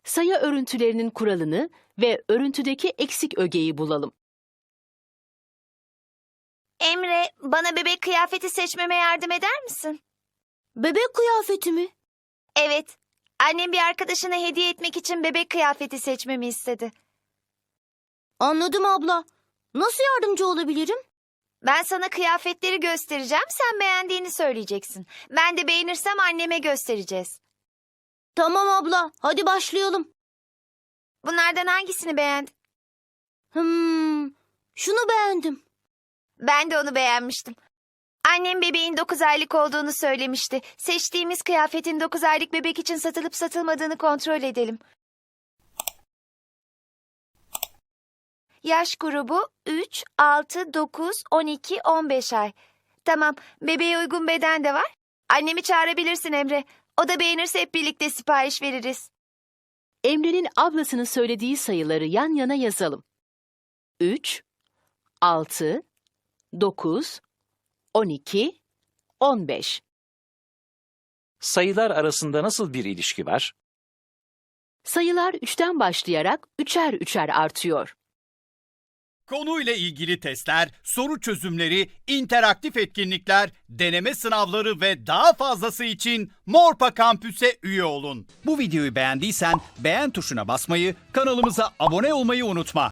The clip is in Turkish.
Sayı örüntülerinin kuralını ve örüntüdeki eksik ögeyi bulalım. Emre, bana bebek kıyafeti seçmeme yardım eder misin? Bebek kıyafeti mi? Evet. Annem bir arkadaşına hediye etmek için bebek kıyafeti seçmemi istedi. Anladım abla. Nasıl yardımcı olabilirim? Ben sana kıyafetleri göstereceğim, sen beğendiğini söyleyeceksin. Ben de beğenirsem anneme göstereceğiz. Tamam abla, hadi başlayalım. Bunlardan hangisini beğendin? Şunu beğendim. Ben de onu beğenmiştim. Annem bebeğin 9 aylık olduğunu söylemişti. Seçtiğimiz kıyafetin 9 aylık bebek için satılıp satılmadığını kontrol edelim. Yaş grubu 3, 6, 9, 12, 15 ay. Tamam, bebeğe uygun beden de var. Annemi çağırabilirsin Emre. O da beğenirse hep birlikte sipariş veririz. Emre'nin ablasının söylediği sayıları yan yana yazalım. 3, 6, 9, 12, 15. Sayılar arasında nasıl bir ilişki var? Sayılar 3'ten başlayarak üçer üçer artıyor. Konuyla ilgili testler, soru çözümleri, interaktif etkinlikler, deneme sınavları ve daha fazlası için Morpa Kampüs'e üye olun. Bu videoyu beğendiysen beğen tuşuna basmayı, kanalımıza abone olmayı unutma.